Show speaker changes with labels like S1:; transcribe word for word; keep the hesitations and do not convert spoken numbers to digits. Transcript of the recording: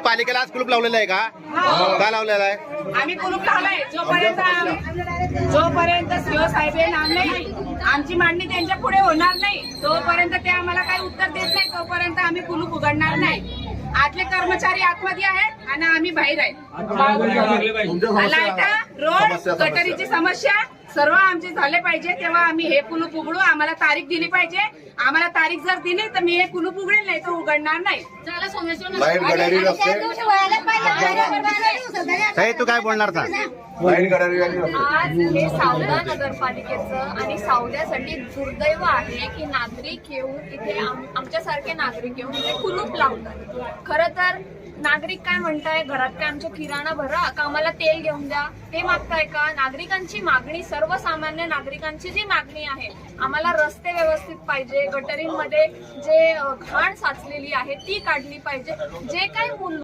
S1: पालिकेला आज कुलूप लावलेलं आहे का? का लावलेला आहे?
S2: आम्ही कुलूप लावलाय. जोपर्यंत जोपर्यंत सीओ साहेब येणार नाही, आमची मांडणी त्यांच्या पुढे होणार नाही, तोपर्यंत ते आम्हाला काही उत्तर देत नाही, तोपर्यंत आम्ही कुलूप उघडणार नाही. आतले कर्मचारी आतमध्ये आहेत आणि आम्ही बाहेर आहेत. लाईटा, रोड, गटरीची समस्या सर्व आमचे झाले पाहिजे, तेव्हा आम्ही हे कुलूप उघडू. आम्हाला तारीख दिली पाहिजे. आम्हाला तारीख जर दिली तर मी हे कुलूप उघडेल, नाही तर उघडणार नाही.
S1: ताई, तू काय बोलणार का?
S3: आज हे सावदा नगरपालिकेचं आणि सावद्यासाठी दुर्दैव आहे की नागरिक येऊन इथे आमच्यासारखे नागरिक येऊन इथे कुलूप लावतात. खरं तर नागरिक काय म्हणताय, घरात काय आमच्या किराणा भरा का, आम्हाला तेल घेऊन द्या, ते मागताय का? नागरिकांची मागणी, सर्वसामान्य नागरिकांची जी मागणी आहे, आम्हाला रस्ते व्यवस्थित पाहिजे, गटरींमध्ये जे घाण साचलेली आहे ती काढली पाहिजे, जे काही मूल